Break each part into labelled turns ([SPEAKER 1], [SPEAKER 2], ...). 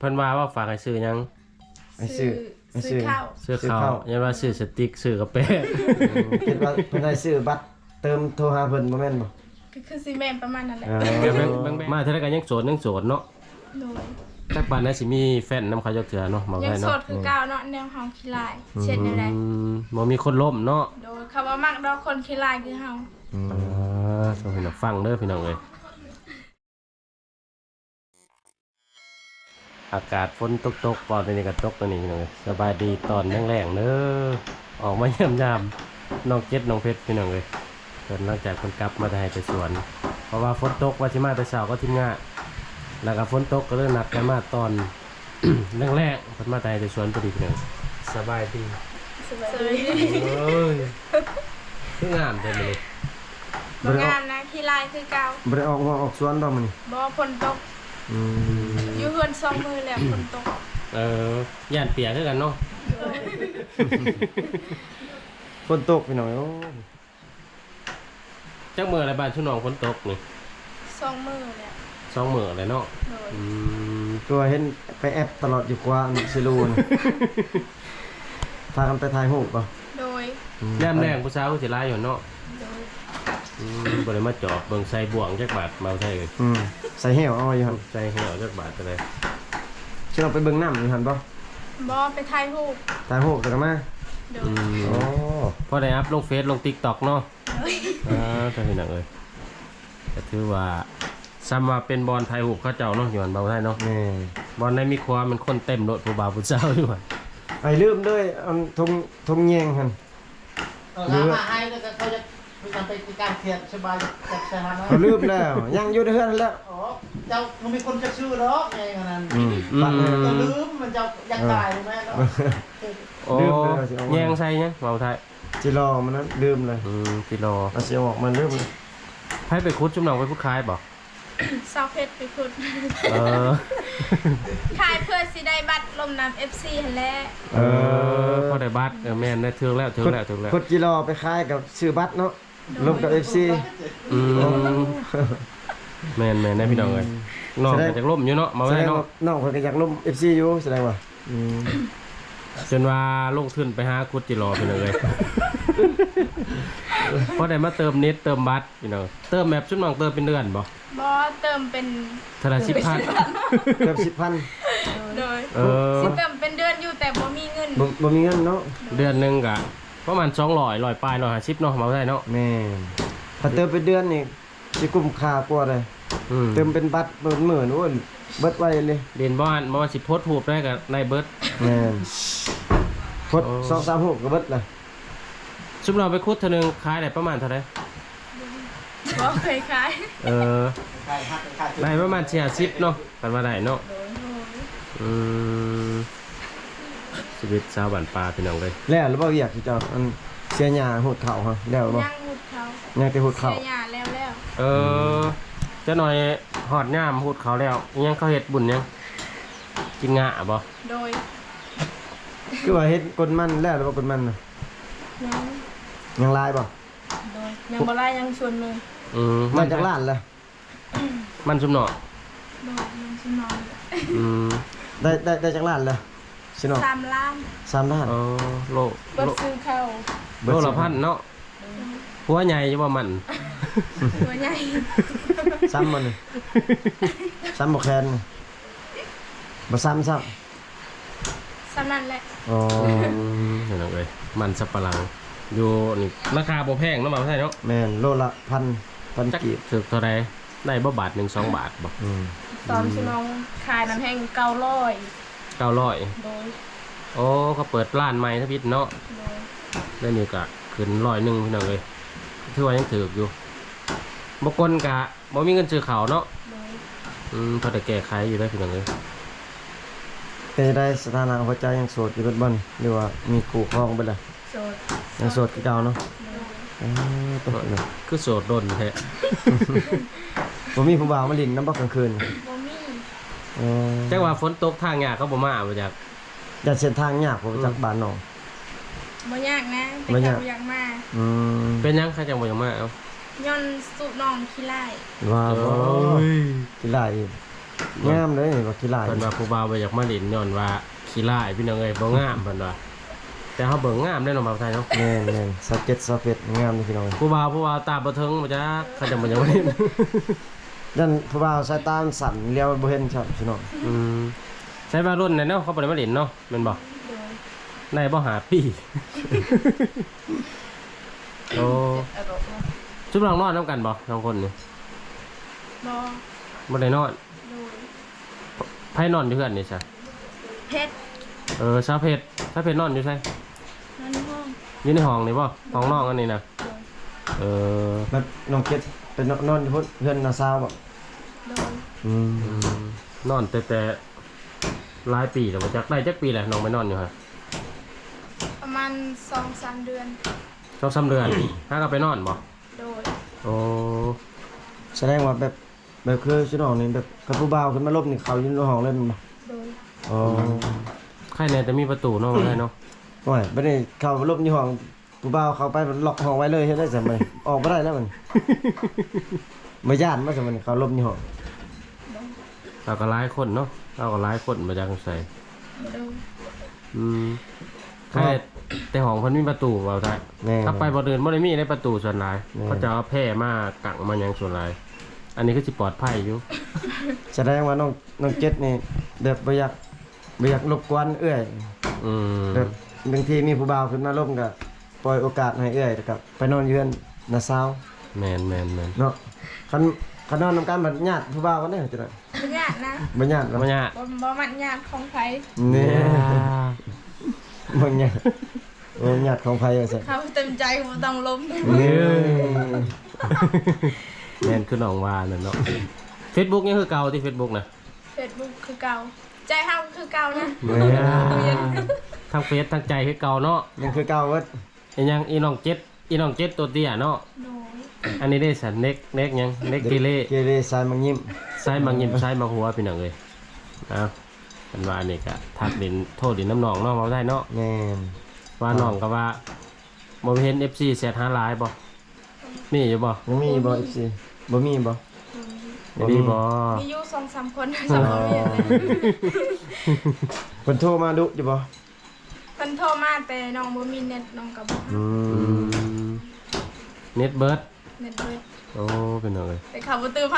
[SPEAKER 1] พิ่นว่าฝากให้ซื้อหยัง
[SPEAKER 2] ไปซื้อ
[SPEAKER 3] ข้าว
[SPEAKER 1] ซื้อข้าวยันว่าซื้อสติ๊กซื้อกาแฟ
[SPEAKER 2] คิดว่าเพิ่นให้ซื้อบัตรเติมโทรหาเพิ่นบ่แม่นบ่
[SPEAKER 3] ก็คือซีเมนประมาณนั้นแหละ
[SPEAKER 1] มาเท่านั้นก็ยังโสดเนาะ
[SPEAKER 3] โดย
[SPEAKER 1] จักปานนั้นสิมีแฟนนำเขาจักเทื่อเนาะมา
[SPEAKER 3] ยัง
[SPEAKER 1] ไว้
[SPEAKER 3] โส
[SPEAKER 1] เนาะ
[SPEAKER 3] ดคือเก่าเนาะแนวเฮาขี้ลายเช่นอะไร
[SPEAKER 1] บ่มีคนล้มเนาะ
[SPEAKER 3] โดยคำว่ามักดอกคนขี้ลายคือเฮา
[SPEAKER 1] ต้องพี่น้องฟังเด้อพี่น้องเอ้ยอากาศฝนตกๆปอนนี้ก็ตกตัวนี้พี่น้องเอ้ยสบายดีตอนแรงๆเด้อออกมาเยี่ยมยามน้องเจ็ดน้องเพชรพี่น้องเอ้ยเพิ่นหลังจากเพิ่นกลับมาได้ไปสวนเพราะว่าฝนตกว่าสิมาแต่เช้าก็ทีมงานแล้วก็ฝนตกก็เลยนัดกันมาตอน แรกๆเพิ่นมาได้ไปสวนพอดีพี่น้องสบายดี
[SPEAKER 3] สวย
[SPEAKER 1] เอ้ยคืองามจังเลย
[SPEAKER 3] บ่งามนะขี้ลายคือเก่า
[SPEAKER 2] บ่ได้ออกสวนบ่มื้อนี้
[SPEAKER 3] บ่ฝนตกอยู่เฮือน2มื้อแล้วฝนตก
[SPEAKER 1] ย่านเปียกคือกันเนาะ
[SPEAKER 2] ฝนตกพี่น้องโอ้
[SPEAKER 1] จักมื้ออะไรบ้านชุน้องฝนตกนี่
[SPEAKER 3] 2มื้อแล้ว
[SPEAKER 1] 2มื้ออะไรเนาะ
[SPEAKER 3] โดย
[SPEAKER 2] ตัวเห็นไปแอปตลอดอยู่กว่าสิรูนพากันไปถ่ายรูปบ่
[SPEAKER 3] โดย
[SPEAKER 1] แนมแรงผู้สาวก็สิหลายอยู่เนาะ
[SPEAKER 3] โดย
[SPEAKER 1] บ่ได้มาจอบเบิ่งใส่บ่วงจักบาทมาใส่เอ้ย
[SPEAKER 2] ใส่แหวเอาอยู่หั่น
[SPEAKER 1] ใส่เหี่ยวจักบาทก็ได้
[SPEAKER 2] สิเราไปเบิ่งน้ำอยู่หั่นบ่
[SPEAKER 3] บ่ไปถ่ายรูป
[SPEAKER 2] ถ่ายรูปจังมา
[SPEAKER 3] โดย
[SPEAKER 2] โอ้
[SPEAKER 1] พอได้อัพลงเฟซลง TikTok เนาะถ้าเห็นหนังเอ้ยก็ถือว่าซ้ำว่าเป็นบอลไทยหูเขาเจ้าเนาะอยู่อันเบาได้เนาะ
[SPEAKER 2] แม่
[SPEAKER 1] บอลในมีความมันคนเต็มรถผู้บ่าวผู้สาวอยู่หั่น
[SPEAKER 2] ไอ้ลืมด้วยอันทงแยงหั่น
[SPEAKER 4] หามาให้แล้วก็เขาจะมีการไปการเขียนสบายจากสถานะ
[SPEAKER 2] เขาลืมแล้วยังอยู่ในเฮือนนั่นแหล้ว
[SPEAKER 4] อ๋อเจ้ามันมีคนจะชื่อหรอกไงขนาดนั้น
[SPEAKER 2] ปัดเลย
[SPEAKER 4] ก็ลืมมันจะอยากตายเลยแม่เนาะ
[SPEAKER 1] โอ้
[SPEAKER 2] ลืมเลยว่าสิเอามา
[SPEAKER 1] แยงใส่ยังเบาไทย
[SPEAKER 2] จิรอมันนั้นลืมเลย
[SPEAKER 1] กิโล
[SPEAKER 2] เอาสิเอาออกมาลืมเลย
[SPEAKER 1] ให้ไปคุดจุ่มหนองไปพุดคายบ่
[SPEAKER 3] สาวเพชรไปขุด
[SPEAKER 1] เออ
[SPEAKER 3] ขายเพื่อสิได้บัตรลมน้ำ FC หั่นแหละ
[SPEAKER 1] พอได้บัตรแม่นได้ถึงแล้ว
[SPEAKER 2] กดจิรอไปขายกับซื้อบัตรเนาะลงกับ FC
[SPEAKER 1] แม่นได้พี่น้องเอ้ยน้องก็จะล่มอยู่เนาะมา
[SPEAKER 2] แส
[SPEAKER 1] ไว้
[SPEAKER 2] ดง
[SPEAKER 1] เนาะ
[SPEAKER 2] ว่าน้องเพิ่นก็อยากลง FC อยู่แสดงว่า
[SPEAKER 1] จนว่าลงทุนไปหาคุดจิรอพี่น้องเอ้ย พอได้มาเติมเน็ตเติมบัตรพี่น้องเติมแมปจุ่มหนองเติมเป็นเดือนบ่
[SPEAKER 3] บ่เติมเป็น
[SPEAKER 1] เท่าไหร่10,000
[SPEAKER 2] เกือบ10,000
[SPEAKER 3] โดย
[SPEAKER 1] สิ
[SPEAKER 3] เติมเป็นเดือนอยู่แต่บ่มีเงิน
[SPEAKER 2] บ่มีเงินเนาะ
[SPEAKER 1] เดือนหนึงก็ประมาณ200 100ปลาย150เนาะมาได้เนาะ
[SPEAKER 2] แม่นถ้าเติมเป็นเดือนนี่สิคุ้มค่ากว่าเลย เติมเป็นบัตรเบิดหมื่นโอ้ยเบิดไว้เลย
[SPEAKER 1] เรียนบ้านบ่ว่าสิโพสต์รูปได้ก็ในเบิด
[SPEAKER 2] แม่นพด2-3 6ก็เบิดเลย
[SPEAKER 1] ซุมเราไปคุดเท่านึงขายได้ประมาณเท่าไหร่
[SPEAKER 3] บ่เคยขาย
[SPEAKER 4] ขายหักขาย
[SPEAKER 1] ได้ประมาณ40เนาะกันว่าได้เนาะชีวิตชาวบ้านป่าพี่น้องเลย
[SPEAKER 2] แล้วหรือบ่อยากสิเจ้าอันเสียหญ้าโหดเข่าฮะแล้วบ่
[SPEAKER 3] ย่างหุดเขา
[SPEAKER 2] ยังแต่โหดเข่า
[SPEAKER 3] เสียหยาแล้ว
[SPEAKER 1] จะหน่อยหอดย่ามพูดเขาแล้วยังเขาเฮ็ดบุญยังกินงะบ่
[SPEAKER 3] โดย
[SPEAKER 2] คือว่าเฮ็ดกดมันแล้วหรือบ่กดมันน่ะ
[SPEAKER 3] ยัง
[SPEAKER 2] ยังลายบ่
[SPEAKER 3] โดยยังบ่ได้ยังส่วนหนึง
[SPEAKER 2] มาจากร้านแล้ว
[SPEAKER 1] มันซุมเนาะ
[SPEAKER 3] โดยยังสินอน
[SPEAKER 2] ได้จากร้านแล้วสิเนาะ
[SPEAKER 3] 3 ล้าน
[SPEAKER 2] 3ล้าน
[SPEAKER 1] โล
[SPEAKER 3] เบิดซื้อข้าว
[SPEAKER 1] โลละพันเนาะหัวใหญ่จะว่ามัน
[SPEAKER 3] ตัวใหญ่
[SPEAKER 2] ซ้ำมันนี่ซ้ำบ่แคนนี่บ่ซ้ำซ้
[SPEAKER 3] สำนั้นแหละ
[SPEAKER 2] ำอ๋อ
[SPEAKER 1] เห็นเลยมันสับปะหลังอยู่นี่ราคาบ่แพงเนาะมาใช่เนาะ
[SPEAKER 2] แม่นโลละ1,000
[SPEAKER 1] จัก
[SPEAKER 2] กีบ
[SPEAKER 1] ถึกเท่าไรได้บ่บาท1 2 บาทบ่
[SPEAKER 3] ตอนสิน้องขายน้ำแห้ง900
[SPEAKER 1] 900
[SPEAKER 3] โดย
[SPEAKER 1] โอ้เขาเปิดร้านใหม่ทพิษเนาะ
[SPEAKER 3] โดย
[SPEAKER 1] ได้นี่ก็ขึ้น100พี่น้องเลยถือว่ายังถืออยู่บางคนกะบ่มีเงินซื้อข้าวเนาะ
[SPEAKER 3] โดย
[SPEAKER 1] พอได้แก้ไขอยู่ได้พี่น้องเลย
[SPEAKER 2] เป็นได้สถานะหัวใจยังโสดอยู่เบิดบ่นี่หรือว่ามีคู่ครองเบิดล่ะ
[SPEAKER 3] โสด
[SPEAKER 2] ยังโสดคือเก่าเนาะ
[SPEAKER 3] โดย
[SPEAKER 2] ตัวเนาะ
[SPEAKER 1] คือโสดโดนแท้
[SPEAKER 2] บ่มีผู้บ่าวมาลินน้ำบ่กลางคืน
[SPEAKER 3] บ่มี
[SPEAKER 1] จักว่าฝนตกทางยากเขาบ่มาบ่จัก
[SPEAKER 2] อย่าเส้นทางยากบ่ไปจากบ้านน้อง
[SPEAKER 3] บ่ยากนะแต่
[SPEAKER 2] บ่
[SPEAKER 3] แค่
[SPEAKER 2] ยาก
[SPEAKER 3] บ่อยากมา
[SPEAKER 1] เป็นหยังใครจังบ่อยากมาเอ้า
[SPEAKER 3] ย้อนสูบน้องขี้ไล่
[SPEAKER 2] ว่า
[SPEAKER 1] โอ้
[SPEAKER 2] บ่
[SPEAKER 1] ย
[SPEAKER 2] ที่ไรอีกงามเลยว่าขี้ลาย
[SPEAKER 1] เพิ่นว่าผู้บ่าวบ่อยากมาเล่นย้อนว่าขี้ร้ายพี่น้องเอ้ยบ่งามเพิ่นว่าแต่เฮาเบิ่งงามได้เนาะบ่าวไทยเนาะ
[SPEAKER 2] แม่นๆ27 งามเลยพี่น้อง
[SPEAKER 1] ผู้บ่าวตาบ่ถึงบ่จักเขาจะบ่ยังบ่เล่น
[SPEAKER 2] ยันผู้บ่าวสายตามันสั่นเลี้ยวบ่เห็นครับพี่น้อง
[SPEAKER 1] ใช้ว่ารุ่นน่ะเนาะเขาบ่ได้มาเล่นเนาะแม่นบ่
[SPEAKER 3] โดย
[SPEAKER 1] ได้บ่หาปี โอ้
[SPEAKER 3] อารมณ์
[SPEAKER 1] ชุบลองนอนนํกันบ่สองคนนี่
[SPEAKER 3] บอ
[SPEAKER 1] บ่ได้นอน
[SPEAKER 3] โดย
[SPEAKER 1] ไผนอนอยู่เฮือนนี่ซะ
[SPEAKER 3] เพชร
[SPEAKER 1] ชาวเพชรนอนอยู่ไส
[SPEAKER 3] นั่นห้อง
[SPEAKER 1] อยู่ในห้องนี่บ่ห้องนอกอันนี้นะ
[SPEAKER 3] โดย
[SPEAKER 2] แบบน้องเก็ดเป็นนอนอยู่พุ่นเพื่อนนาซาวบ่
[SPEAKER 3] โดย
[SPEAKER 1] นอนแต่หลายปีแล้วบ่จักได้จักปีแหละน้องไปนอนอยู่ฮะ
[SPEAKER 3] ประมาณ2-3 เดือน
[SPEAKER 1] 2-3เดือน หาก็ไปนอนบ่
[SPEAKER 3] โดย
[SPEAKER 1] โอ้
[SPEAKER 2] แสดงว่าแบบคือพี่น้องนี่แบบกับผู้บ่าวขึ้นมาลบนี่เขาอยู่ในห้องเล่นบ่
[SPEAKER 3] โดย
[SPEAKER 2] อ๋อ
[SPEAKER 1] ใครแน่จะมีประตูเนาะได้เนาะ
[SPEAKER 2] โอ้ยบ่ได้เข้าลบอยู่ห้องผู้บ่าวเข้าไปล็อกห้องไว้เลยเฮ็ดได้ซั่นบ่ออกบ่ได้แล้วมันบ่ย่านบ่ซั่นมันเขาลบอยู่ห้อง
[SPEAKER 1] เราก็หลายคนเนาะเราก็หลายคนมาจากไส
[SPEAKER 3] โดย
[SPEAKER 1] ใครแต่ห้องเพิ่นมีประตูเว้าได้
[SPEAKER 2] แม่
[SPEAKER 1] ถ้าไปบ่เดินบ่ได้มีในประตูส่วนหลาย
[SPEAKER 2] แม่
[SPEAKER 1] เขาจะเอาแพร่มากังมาหยังส่วนหลาย อันนี้ก็สิปลอดภัยอยู่
[SPEAKER 2] แสดงว่าน้องเจ็ดนี่แบบบ่อยากรบกวนเอื้อย
[SPEAKER 1] อืม
[SPEAKER 2] แบบบางทีมีผู้บ่าวขึ้นมาลบก็ปล่อยโอกาสให้เอื้อยแล้วก็ไปนอนอยู่เฮือนนาซาว
[SPEAKER 1] แม่น
[SPEAKER 2] เนาะคันนอนนำกันบัดญาติผู้บ่าวกันเด้อจังได๋
[SPEAKER 3] บ่ยากนะ
[SPEAKER 2] บ่ญาติ
[SPEAKER 1] แล้ว
[SPEAKER 2] เนาะ
[SPEAKER 1] มันยาก
[SPEAKER 3] บ่มัดยากของไผ
[SPEAKER 2] นี่บ่ญาติญาติของไผว่าซั่น
[SPEAKER 3] เขาเต็มใจบ่ต้องล้ม
[SPEAKER 2] นี่
[SPEAKER 1] แม่นคือน้องว่านั่นเนาะ Facebook ยังคือเก่าที่ Facebook นะ
[SPEAKER 3] Facebook คือเก่าใจเฮาคือเก่านะ
[SPEAKER 1] ทั้งเฟซทั้งใจคือเก่าเนาะ
[SPEAKER 2] ยังคือเก่าเว้ย
[SPEAKER 1] อีหยังอีน้องเจ็ดตัวเตี้ยเนาะ
[SPEAKER 3] โดย
[SPEAKER 1] อันนี้ได้สันเน็กหยังเน็กเกเร
[SPEAKER 2] เกเรสายมังยิ้ม
[SPEAKER 1] ซ้ายมังยิ้มซ้ายมังหัวพี่น้องเอ้ยเอาเป็นว่าอันนี้ก็ทักดินโทษดินน้ำหนองเนาะเว้าได้เนาะ
[SPEAKER 2] แม่น
[SPEAKER 1] ว่าน้องก็ว่าบ่เห็น FC แซดหาหลายบ่มีอยู่บ่
[SPEAKER 2] ยังมีบ่ FC บ่มีบ่
[SPEAKER 1] มีบ่
[SPEAKER 3] มีอยู่2-3 คนสำหรับเรียนเลย
[SPEAKER 2] เพิ่นโทรมาดุอยู่บ่
[SPEAKER 3] เพิ่นโทรมาแต่น้องบ่มีเน็ตน้องก็บ่
[SPEAKER 1] เน็ตเบิร์ด
[SPEAKER 3] เน็ตเบิด
[SPEAKER 1] โอ้เป็นน้องเอ้ย
[SPEAKER 3] แต่เขาบ่ตื่นให้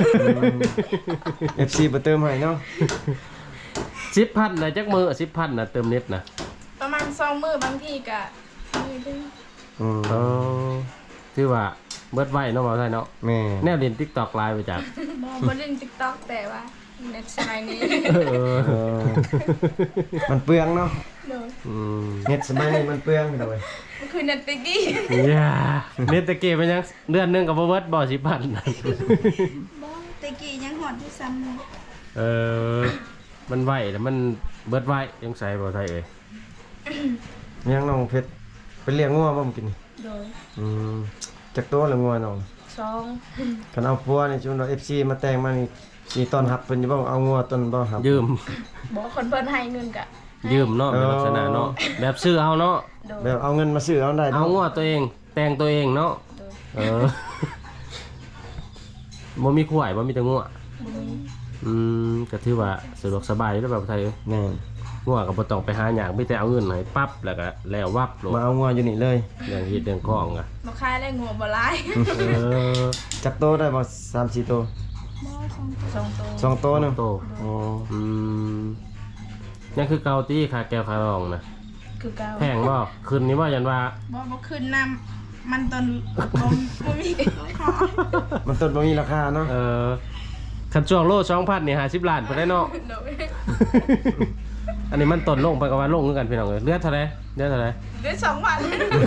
[SPEAKER 2] FC บ่เติมให้เนาะ
[SPEAKER 1] 10,000น่ะจักมื้อ10,000น่ะเติมเน็ตน่ะ
[SPEAKER 3] ประมาณ2มื้อบางทีก็มื้อนึง
[SPEAKER 1] เออคือว่าเบิดไว้เนาะเว้าได้เนาะ
[SPEAKER 2] แม่
[SPEAKER 1] แนวเล่น TikTok หลายไปจาก
[SPEAKER 3] บ่เล่น TikTok แต่ว่าเน็ตสมัยนี้
[SPEAKER 1] เออ
[SPEAKER 2] มันเปลืองเนาะ
[SPEAKER 3] โดย
[SPEAKER 2] เน็ตสมัยนี้มันเปลืองพี่น้องเอ้ย
[SPEAKER 3] มันคือเน็ตติกี้
[SPEAKER 1] อย่าเน็ตตะเกียบเป็นยังเดือนหนึงกับบ่เบิดบ่สิพัน
[SPEAKER 3] บ่ตะกี้ยังหอดอยู่ซ้ำเลย
[SPEAKER 1] เออมันไหวแล้วมันเบิดไหวยังใส่บ่ไทยเอ้ย
[SPEAKER 2] ยังน้องเพชรไปเลี้ยงงัวบ่มกิน
[SPEAKER 3] โดย
[SPEAKER 2] จักตัวละงัวน้อง
[SPEAKER 3] 2
[SPEAKER 2] คันเอาพัวนี่จุนว่า FC มาแต่งมานี่สิต้อนรับเพิ่นอยู่บ่เอางัวต้นบ่ครับ
[SPEAKER 1] ยืม
[SPEAKER 3] บ่คนเพิ่นให้เงินก็
[SPEAKER 1] ยืมเนาะเป็นลักษณะเนาะแบบซื้อเอาเนาะ
[SPEAKER 3] โดย
[SPEAKER 2] แบบเอาเงินมาซื้อเอาได้
[SPEAKER 1] เอา
[SPEAKER 2] เนาะ
[SPEAKER 1] งัวตัวเองแต่งตัวเองเนาะ
[SPEAKER 3] โดย
[SPEAKER 1] เออบ่มีขวายบ่มีแต่งัว
[SPEAKER 3] บ่มี
[SPEAKER 1] ก็ถือว่าสะดวกสบายอยู่แล้วแบบไทยเอ้ย
[SPEAKER 2] แม่น
[SPEAKER 1] งัวก็บ่ต้องไปหาหยังมีแต่เอาเงินให้ปั๊บแล้วก็แล้ววับโลด
[SPEAKER 2] มาเอางัวอยู่นี่เลย
[SPEAKER 1] เรื่องเฮ็ดเรื่องของอ่ะ
[SPEAKER 3] บ่ขายได้งัวบ่หลาย
[SPEAKER 1] เออ
[SPEAKER 2] จักตัวได้บ่3-4ตัว
[SPEAKER 3] บ่2 ตัว
[SPEAKER 2] 2ตัวหนึง
[SPEAKER 1] โต
[SPEAKER 2] อ๋อ
[SPEAKER 1] ยังคือเกาตี้ขาแก้วขารองนะ
[SPEAKER 3] คือเก่า
[SPEAKER 1] แพงบ่คืนนี้ว่ายันว่า
[SPEAKER 3] บ่ขึ้นน้ำมันต้นบ่มีขอ
[SPEAKER 2] มันต้นบ่มีราคาเนาะ
[SPEAKER 1] คันช่วงโล2,000นี่50ล้านไปได้เนาะ
[SPEAKER 3] โดย
[SPEAKER 1] อันนี้มันต้นลงไปกับว่าลงคือกันพี่น้องเอ้ยเหลือเท่าไหร่เหลือเท่าไหร่
[SPEAKER 3] ด้วย2,000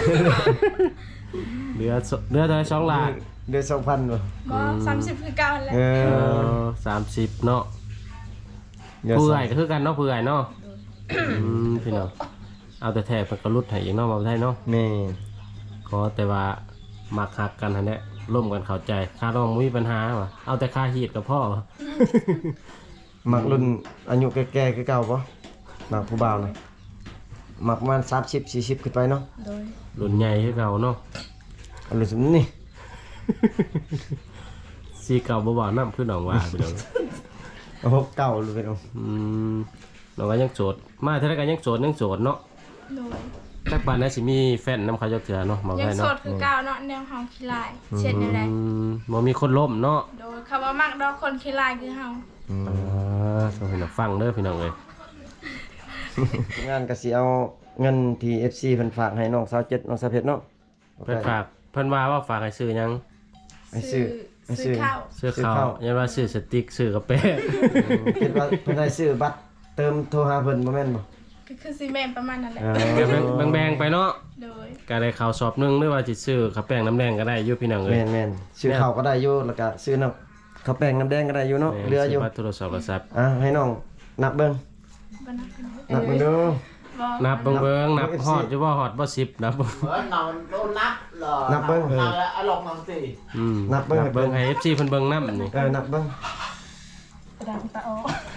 [SPEAKER 1] เหลือเท่าไหร่2ล้าน
[SPEAKER 2] เดือน2,000บ่
[SPEAKER 3] บ่30คือเก่าแหละ
[SPEAKER 2] เออ
[SPEAKER 1] 30เนาะ
[SPEAKER 2] เดือน
[SPEAKER 1] ผู้
[SPEAKER 2] สอง
[SPEAKER 1] ใหญ่ก็คือกันเนาะผู้ใหญ่เนาะพี่น้องเอาแต่แท้เพิ่นก็รุดให้อีกเนาะบ่ได้เนาะ
[SPEAKER 2] แม่
[SPEAKER 1] ขอแต่ว่ามักฮักกันหั่นแหละร่วมกันเข้าใจค่าร้องบ่มีปัญหาว่ะเอาแต่ค่าฮีดก็พอ
[SPEAKER 2] มักรุ่นอายุแก่ๆคือเก่าบ่มักผู้บ่าวน่ะมักประมาณ30-40ขึ้นไปเนาะ
[SPEAKER 3] โดย
[SPEAKER 1] รุ่นใหญ่คือเก่าเนาะ
[SPEAKER 2] อันนี้สมนี่
[SPEAKER 1] สีเก่าบ่บ่าน้ำคือหนองว่าพี่น้อง
[SPEAKER 2] หกเก่าเลยพี่น้อง
[SPEAKER 1] เราก็ยังโสดมาเท่าไรกันยังโสดเนาะ
[SPEAKER 3] โดย
[SPEAKER 1] จักปานนั้นสิมีแฟนนำเขาจักเถื่อเนาะบอก
[SPEAKER 3] ยัง
[SPEAKER 1] ให้
[SPEAKER 3] โส
[SPEAKER 1] เนาะ
[SPEAKER 3] ดคือเก่าเนาะแนวเฮาขี้ลายเช่นอะไร
[SPEAKER 1] บ่มีคนล้มเนาะ
[SPEAKER 3] โดยคำว่ามักดอกคนขี้ลายคือเฮา
[SPEAKER 1] ต้องให้เราฟังเด้อพี่น้องเอ้ย
[SPEAKER 2] งานก็สิเอาเงินที่ FC เพิ่นฝากให้น้องสาวเจ็ดน้องสาวเพชรเนาะ
[SPEAKER 1] เพิ่นฝากเพิ่นว่าฝากให้ซื้อหยัง
[SPEAKER 2] ให้ซื้อ
[SPEAKER 3] ซื้อข้าว
[SPEAKER 1] ซื้อข้าวยันว่าซื้อสติ๊กซื้อกาแฟ
[SPEAKER 2] คิดว่าเพิ่นได้ซื้อบัตรเติมโทรหาเพิ่นบ่แม่นบ่
[SPEAKER 3] ก็คือซีเมนต์ประมาณนั้นแหละ
[SPEAKER 1] ก็แบ่งๆไปเนาะ
[SPEAKER 3] โดย
[SPEAKER 1] ก็ได้ข้าวสอบหนึงหรือว่าสิซื้อข้าวแป้งน้ำแดงก็ได้อยู่พี่น้องเอ้ย
[SPEAKER 2] แม่นๆซื้อข้าวก็ได้อยู่แล้วก็ซื้อน้ำข้าวแป้งน้ำแดงก็ได้อยู่เนาะเหลืออยู่
[SPEAKER 1] ซื้บัตรโทรศัพท์
[SPEAKER 2] ให้น้องนับเบิ่ง
[SPEAKER 3] บ่นับกัน
[SPEAKER 2] นับเบิ่งดู
[SPEAKER 3] บ่
[SPEAKER 1] นับเบิ่งนับฮอดอยู่บ่ฮอดบ่10นับ
[SPEAKER 4] นอนโดนนับเหรอนับแล้วเอาลงนังสิ
[SPEAKER 2] นับเบิ่ง
[SPEAKER 1] ให้ FC เพิ่นเบิ่งนำนี่
[SPEAKER 2] นับเบิ่ง
[SPEAKER 3] ดังตะออ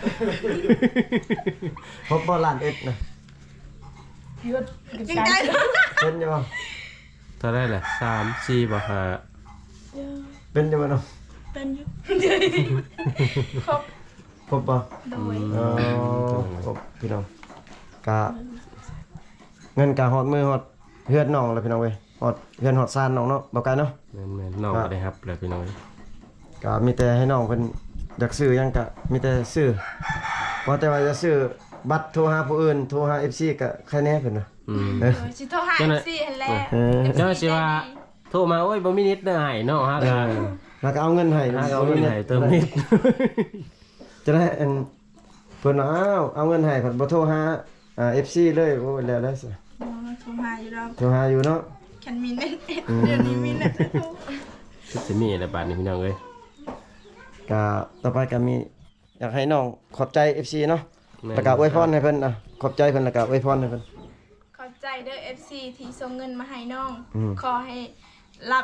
[SPEAKER 2] พบบ่ล้านเอ็ดนะ
[SPEAKER 3] หยุดจริงใจ
[SPEAKER 2] เป็นอยู่บ่
[SPEAKER 1] เท่าได้แหละ3 4บ่5
[SPEAKER 2] เป็นอยู่บ่เนาะ
[SPEAKER 3] เป็นอยู่ครบ
[SPEAKER 2] พบบ่
[SPEAKER 3] โดย
[SPEAKER 2] พบพี่น้องกะเงินกะฮอดมือฮอดเฮือนน้องแล้วพี่น้องเว้ยฮอดเฮือนฮอดซ่านน้องเนาะบ่ไกลเนาะ
[SPEAKER 1] แม่นๆน้องก็ได้รับแล้วพี่น้อง
[SPEAKER 2] ก็มีแต่ให้น้องเพิ่นอยากซื้อหยังก็มีแต่ซื้อบ่แต่ว่าจะซื้อบัตรโทรหาผู้อื่นโทรหา FC ก็ใครแน่เพิ่นน่ะ
[SPEAKER 3] โดยสิโทรหาสิหั่นแหละ
[SPEAKER 1] เจ้าสิว่าโทรมาโอ้ยบ่มีนิดเด้อให้เนาะฮะ
[SPEAKER 2] แล้วก็เอาเงินให้
[SPEAKER 1] เอาเงินให้เติมนิด
[SPEAKER 2] จะได้อันเพิ่นว่าเอาเงินให้เพิ่นบ่โทรหาFC เลยโอ้ยแล้วสิ
[SPEAKER 3] โทรหาอยู่ดอก
[SPEAKER 2] โทรหาอยู่เนาะ
[SPEAKER 3] ฉันมีเน็ตเดี๋ยวนี้มีเน็ตแล้ว
[SPEAKER 1] คือสิมีอะไรบาดนี้พี่น้องเอ้ย
[SPEAKER 2] ก็ต่อไปก็มีอยากให้น้องขอบใจ FC เนาะแล้วก็อวยพรให้เพิ่นขอบใจเพิ่นแล้วก็อวยพรให้เพิ่น
[SPEAKER 3] ขอบใจเด้อ FC ที่ส่งเงินมาให้น้อง
[SPEAKER 2] อืม
[SPEAKER 3] ขอให้รับ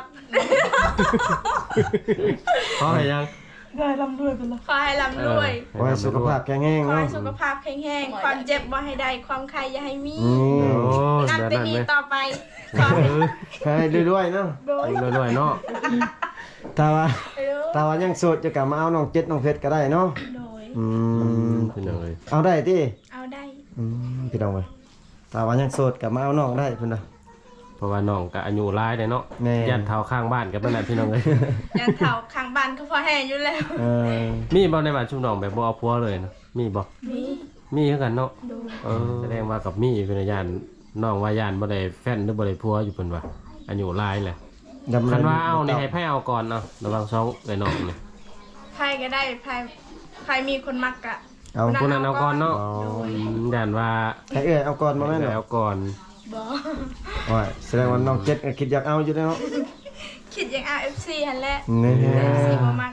[SPEAKER 1] ขอให้ยัง
[SPEAKER 3] ขอให้ร่ำรวย
[SPEAKER 2] ขอให้สุขภาพแข็งแรง
[SPEAKER 3] ขอ
[SPEAKER 2] เนาะ
[SPEAKER 3] ให้สุขภาพแข็งแรงความเจ็บบ่ให้ได้ความใครอย่าให้มี
[SPEAKER 1] โอ้
[SPEAKER 3] นับ
[SPEAKER 1] เดี๋ยว
[SPEAKER 3] แต่
[SPEAKER 1] นั้น
[SPEAKER 3] นี้
[SPEAKER 1] เลย
[SPEAKER 3] ต่อไปขอให้
[SPEAKER 2] ให้รวยๆเนาะ
[SPEAKER 3] โดย
[SPEAKER 1] รวยๆเนาะ
[SPEAKER 2] ถ้าว่ายังโสดจะกลับมาเอาน้องเจ็ดน้องเพชรก็ได้เนาะ
[SPEAKER 3] โดย
[SPEAKER 1] พี่น้องเอ้ย
[SPEAKER 2] เอาได้ติ
[SPEAKER 3] เอาได้
[SPEAKER 2] พี่น้องเว้ยถ้าว่ายังโสดกลับมาเอาน้องได้เพิ่นน่ะ
[SPEAKER 1] เพราะว่าน้องก็อายุหลายได้เนาะ
[SPEAKER 2] แม่
[SPEAKER 1] ยันเท้าข้างบ้านกับนั่นแหละพี่น้องเอ้ย
[SPEAKER 3] ยันเถาข้างบ้านก็พอแห้งอยู่แล้ว
[SPEAKER 1] มีบ่ในบ้านชุมน้องแบบบ่เอาผัวเลยนะมีบ่
[SPEAKER 3] มี
[SPEAKER 1] มีคือกันเนาะ
[SPEAKER 3] โดย
[SPEAKER 1] แสดงว่ากับมีเป็นญาณน้องว่าญาณบ่ได้แฟนหรือบ่ได้ผัวอยู่เพิ่นว่าอายุหลายแหละ คันว่าเอานี่ให้ไผเอาก่อนเนาะระวัง2ไอ้น้องนี่
[SPEAKER 3] ไพ่ก็ได้ไพ่มีคนมักกะ
[SPEAKER 2] เอา
[SPEAKER 1] ผู้นั้นเอาก่อนเนาะญาณว่า
[SPEAKER 2] ให้เอาก่อนบ่แม่น
[SPEAKER 1] เอาก่อน
[SPEAKER 3] บ่
[SPEAKER 2] ว่าแสดงว่าน้องเจ็ดก็คิดอยากเอาอยู่เนาะ
[SPEAKER 3] คิดอย่าง RFC หั่นแหละ
[SPEAKER 2] นี่
[SPEAKER 3] RFC บ่มัก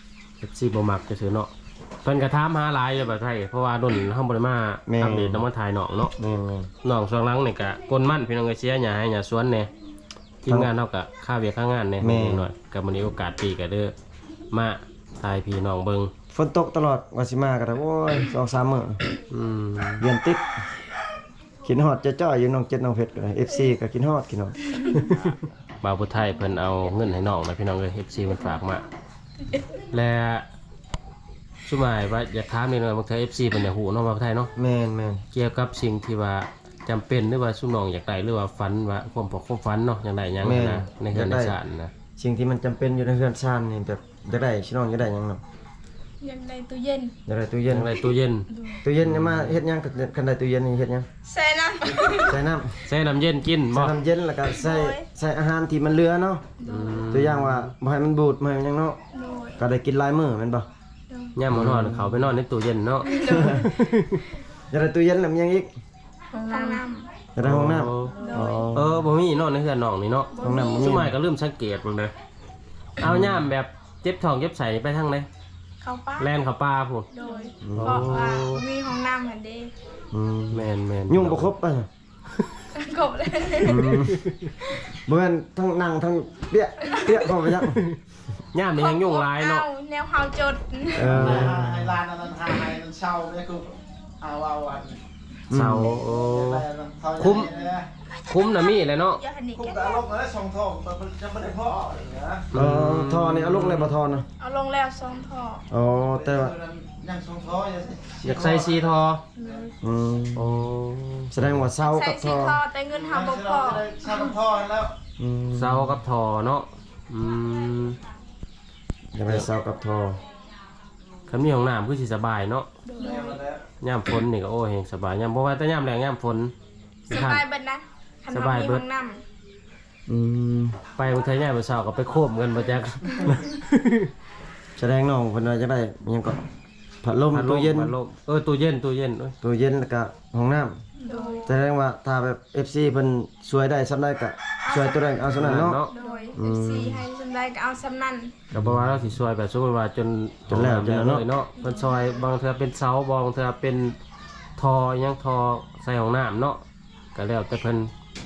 [SPEAKER 1] FC บ่มักจะซื้อเนาะเพิ่นก็ถามหาหลายอยู่แบบไทยเพราะว่ารุ่นเฮาบ่ได้มาอัปเดตนำมาถ่ายน้องเนาะ
[SPEAKER 2] นี่
[SPEAKER 1] น้องช่วงหลังนี่ก็กลมั่นพี่น้องก็เสียหญ้าให้หญ้าสวนแหน่ทีมงานเฮาก็ค่าเวียกค่างานแหน่นิดหน่อยก็มื้อนี้โอกาสปีก็เด้อมาถ่ายพี่น้องเบิ่ง
[SPEAKER 2] ฝนตกตลอดว่าสิมาก็ได้โอ้ย 2-3 มื้อ เดือนติดกินฮอดจะจ้อยอยู่น้องเจ็ดน้องเพชรก็ได้ FC ก็กินฮอดกินฮอด
[SPEAKER 1] บ่าวผู้ไทยเพิ่นเอาเงินให้น้องนะพี่น้องเอ้ย FC มันฝากมาและสุหมายว่าอยากถามนิดหน่อยบางที FC เพิ่นอยากฮู้เนาะบ่าวผู้ไทยเนาะ
[SPEAKER 2] แม่น
[SPEAKER 1] เกี่ยวกับสิ่งที่ว่าจำเป็นหรือว่าสุน้องอยากได้หรือว่าฝันว่าความพอความฝันเนาะอยากได้หยังนะในเฮือนในศาลนะ
[SPEAKER 2] ๆสิ่งที่มันจำเป็นอยู่ในเรือนชานนี่แบบอยากได้ชิน้องอยากได้หยังเนาะ
[SPEAKER 3] อยากได้ตู้เย็น
[SPEAKER 2] อยากได้ตู้
[SPEAKER 1] อ
[SPEAKER 2] เย็
[SPEAKER 1] ยาน กได้ตู้เย็น
[SPEAKER 2] ตู้เย็นเนี่ยมาเฮ็ดหยังคันได้ตู้เย็นนี่เฮ็ดหยัง
[SPEAKER 3] ใส่น้ำ
[SPEAKER 2] ใส่น้ำ
[SPEAKER 1] ใส่น้ำเย็นกิน
[SPEAKER 2] ใส่
[SPEAKER 1] บ่
[SPEAKER 2] น้ำเย็นแล้วก็ใส่อาหารที่มันเหลือเนาะตัวอย่างว่าบ่ให้มันบูดบ่ให้มันหยังเนาะ
[SPEAKER 3] โดย
[SPEAKER 2] ก็ได้กินหลายมื้อแม่นบ่
[SPEAKER 1] ย่ามมื้อนอนเขาไปนอนในตู้เย็นเนาะ
[SPEAKER 2] อยากได้ตู้เย็นแล้วมันยังอีก
[SPEAKER 3] ห้องน้
[SPEAKER 2] อยากได้ห้องน้ำ
[SPEAKER 1] บ่มีเนาะในเฮือนน้องนี่เนาะ
[SPEAKER 2] ห้องน้ำบ่มี
[SPEAKER 1] สุหมายก็ลืมสังเกตเบิ่งเด้อเอาย่ามแบบเจ็บท้องเจ็บไสไปทางไหน
[SPEAKER 3] ำเข้าป้า
[SPEAKER 1] แล่นเข้าป่าพุ่น
[SPEAKER 3] โดยเพราะว่ามีห้องน้ำเหมือนเด้
[SPEAKER 1] แม่น
[SPEAKER 2] ยุ่งบ่ครบป่ะ
[SPEAKER 3] กบเลย
[SPEAKER 2] บ่แม่นทั้งนั่งทั้งเปี้ยเข้าไปจัง
[SPEAKER 1] ย่ามนี่ยังยุ่งหลายเนาะ
[SPEAKER 3] แนวเฮาจด
[SPEAKER 4] ให้ร้านนั้นให้มันเช่าเนี่ยคือเอาอัน
[SPEAKER 1] เสาโอ้ คุ้มน่ะมีแหละเนาะ
[SPEAKER 3] อย่าหันนี่
[SPEAKER 4] คุ้ม
[SPEAKER 3] แก
[SPEAKER 4] กับลงเลยสองทองมันจะไม่ได้พ่ออย่างเงี้ย
[SPEAKER 2] ทอนี่เอาลงเลยบ่ทอนะ
[SPEAKER 3] เอาลงแล้ว2ท่อ
[SPEAKER 2] อ๋อแต่ว่า
[SPEAKER 4] ยยังสองท้อ
[SPEAKER 1] อยากใส่ซีทอ
[SPEAKER 2] อืม
[SPEAKER 1] โอ้
[SPEAKER 2] แสดงว่าเศร้า
[SPEAKER 3] ใส่
[SPEAKER 2] กับท
[SPEAKER 3] สี
[SPEAKER 2] อ
[SPEAKER 3] ทอแต่เงินหาบ่พ
[SPEAKER 4] เรา
[SPEAKER 3] อ
[SPEAKER 4] จะได้สร้างท่อแล้ว
[SPEAKER 2] อืม
[SPEAKER 1] เซากับทอเนาะม
[SPEAKER 2] ยังไม่ได้เศร้ากับทอ
[SPEAKER 1] คันมีห้องน้ำคือสิสบายเนาะ
[SPEAKER 3] โดย
[SPEAKER 1] ยามฝนนี่ก็โอ้เฮงสบายยามบ่ว่าแต่ยามแรงยามฝน
[SPEAKER 3] สบายเบิดนะคัน
[SPEAKER 1] ส
[SPEAKER 3] ว่า
[SPEAKER 1] บาย
[SPEAKER 3] มี
[SPEAKER 1] เบิ
[SPEAKER 3] ห้
[SPEAKER 1] ด
[SPEAKER 3] องน้
[SPEAKER 2] อืม
[SPEAKER 1] ไปบางทียามมื้อเช้าก็ไปโคมกันบ่จัก
[SPEAKER 2] แสดงน้องเพิ่นว่าจะได้อิหยังก็พัดลม
[SPEAKER 1] พัดล
[SPEAKER 2] ตู้
[SPEAKER 1] ม
[SPEAKER 2] เย็น
[SPEAKER 1] พัดลมตู้เย็นเอ้ย
[SPEAKER 2] ตู้เย็นแล้วก็ห้องน้ำ
[SPEAKER 3] ำโดย
[SPEAKER 2] แสดงว่าถ้าแบบ FC เพิ่นช่วยได้สำได้ก็ช่วยตัวนั้นเอาสำนั้นเนาะ
[SPEAKER 3] โดย FC ให้สำได้ก็เอาสำนั้น
[SPEAKER 1] ก็บ่ว่าเราสิช่วยแบบสมมุติว่าจน
[SPEAKER 2] จนแล้วจนแล้วเนาะ
[SPEAKER 1] เนาะเพิ่นซอยบางเทื่อเป็นเสาบางเทื่อเป็นทออิหยังทอใส่ห้องน้ำเนาะก็แล้วแต่เพิ่น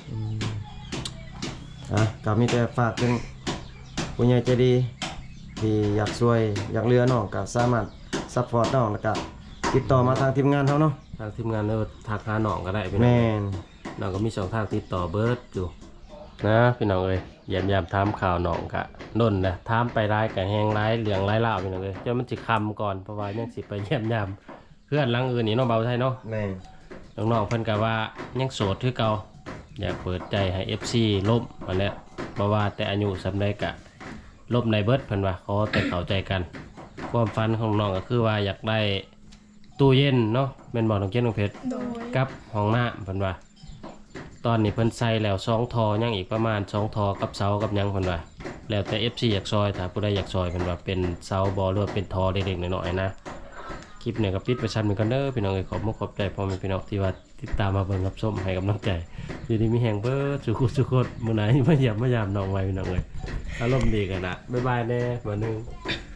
[SPEAKER 2] ก็มีแต่ฝากถึงผู้ใหญ่ใจดีที่อยากช่วยอยากเหลือน้องก็สามารถซัพพอร์ตน้องแล้วก็ติดต่อมาทางทีมงานเฮาเนาะ
[SPEAKER 1] ทางทีมงานเออทักหาน้องก็ได้พี่น้อง
[SPEAKER 2] แม่น
[SPEAKER 1] น้องก็มีช่องทางติดต่อเบิร์ดอยู่นะพี่น้องเอ้ยยามถามข่าวน้องกะน่นนะถามไปร้ายกะแหงร้ายเหลืองร้ายเล่าวพี่น้องเอ้ยเจ้ามันสิคำก่อนเพราะว่ายังสิไปเยี่ยมยามเพื่อนหลังอื่นนี่น้องเบาไทยเนาะ
[SPEAKER 2] แม่น
[SPEAKER 1] น้องๆเพิ่นก็ว่ายังโสดคือเก่าอยากเปิดใจให้ FC ล่มมาแล้วเพราะว่าแต่อายุสำได้กะล่มในเบิร์ดเพิ่นว่าขอแต่เข้าใจกันความฝันของน้องก็คือว่าอยากได้ตู้เย็นเนาะแม่นบอกน้องเจนน้องเพชร
[SPEAKER 3] โดย
[SPEAKER 1] กับห้องน้ำเพิ่นว่า ตอนนี้เพิ่นใส่แล้ว2ทอยังอีกประมาณ2ทอกับเสากับหยังเพิ่นว่าแล้วแต่ FC อยากซอยถ้าผู้ใดอยากซอยเพิ่นว่าเป็นเสาบ่หรือว่าเป็นทอเล็กๆน้อยๆนะคลิปเนี่ยก็ปิดไปชั้นหนึงกันเด้อพี่น้องเอ้ยขอบคุณขอบใจพ่อแม่พี่น้องที่ว่าติดตามมาเบิ่งรับชมให้กำลังใจอยู่ดีมีแฮงเบิดสุขๆมื้อไหนมาเยี่ยมมายามน้องไว้พี่น้องเอ้ยอารมณ์ดีกันนะบ๊ายบายแน่มื้อนึง